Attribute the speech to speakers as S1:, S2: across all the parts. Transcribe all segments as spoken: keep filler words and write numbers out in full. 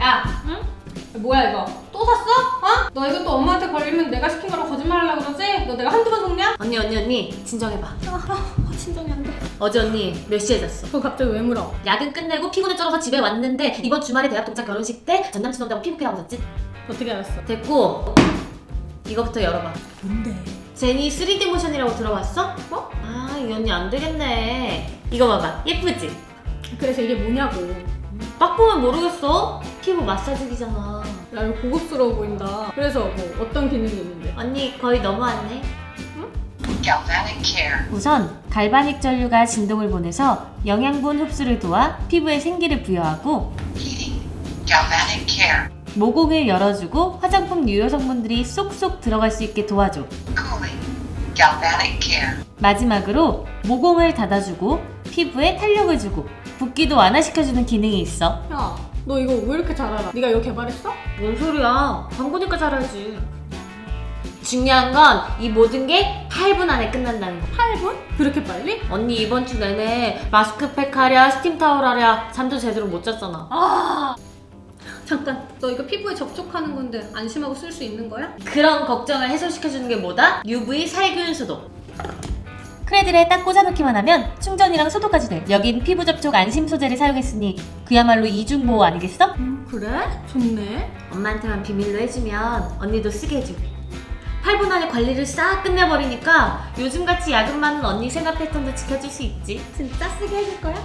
S1: 야, 응? 뭐야 이거? 또 샀어? 어? 너 이거 또 엄마한테 걸리면 내가 시킨 거라고 거짓말하려고 그러지? 너 내가 한두 번 속냐?
S2: 언니 언니 언니 진정해봐.
S1: 아, 아 진정이 안 돼.
S2: 어제 언니 몇 시에 잤어?
S1: 그거 갑자기 왜 물어?
S2: 야근 끝내고 피곤해 쩔어서 집에 왔는데 이번 주말에 대학 동창 결혼식 때 전남친 온다고 피부케하고 잤지?
S1: 어떻게 알았어?
S2: 됐고 이거부터 열어봐.
S1: 뭔데?
S2: 제니 쓰리디 모션이라고 들어봤어?
S1: 어?
S2: 아 이 언니 안 되겠네. 이거 봐봐 예쁘지?
S1: 그래서 이게 뭐냐고.
S2: 딱 보면 모르겠어? 피부 마사지기잖아.
S1: 야 이거 고급스러워 보인다. 그래서 뭐 어떤 기능이 있는데?
S2: 언니 거의 너무하네.
S3: Galvanic Care.
S2: 우선 갈바닉 전류가 진동을 보내서 영양분 흡수를 도와 피부에 생기를 부여하고
S3: Heating. Galvanic Care.
S2: 모공을 열어주고 화장품 유효 성분들이 쏙쏙 들어갈 수 있게 도와줘.
S3: Cooling. Galvanic Care.
S2: 마지막으로 모공을 닫아주고 피부에 탄력을 주고 붓기도 완화시켜주는 기능이 있어.
S1: 야, 너 이거 왜 이렇게 잘 알아? 네가 이거 개발했어?
S2: 뭔 소리야? 광고니까 잘 알지. 중요한 건 이 모든 게 팔 분 안에 끝난다는 거.
S1: 팔 분? 그렇게 빨리?
S2: 언니 이번 주 내내 마스크팩 하랴 스팀 타월 하랴 잠도 제대로 못 잤잖아.
S1: 아 잠깐, 너 이거 피부에 접촉하는 건데 안심하고 쓸 수 있는 거야?
S2: 그런 걱정을 해소시켜주는 게 뭐다? 유브이 살균 소독. 크레들에 딱 꽂아놓기만 하면 충전이랑 소독까지 돼. 여긴 피부 접촉 안심 소재를 사용했으니 그야말로 이중 보호 아니겠어?
S1: 음 그래? 좋네.
S2: 엄마한테만 비밀로 해주면 언니도 쓰게 해줄게. 팔 분 안에 관리를 싹 끝내버리니까 요즘같이 야근 많은 언니 생활 패턴도 지켜줄 수 있지.
S1: 진짜 쓰게 해줄 거야?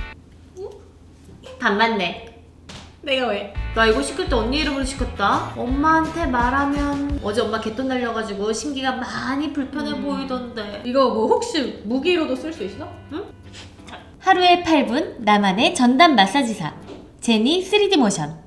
S2: 반맞네.
S1: 내가 왜?
S2: 나 이거 시킬 때 언니 이름으로 시켰다. 엄마한테 말하면 어제 엄마 개똥 날려가지고 심기가 많이 불편해
S1: 음.
S2: 보이던데.
S1: 이거 뭐 혹시 무기로도 쓸 수 있어?
S2: 하루에 팔 분 나만의 전담 마사지사 제니 쓰리디 모션.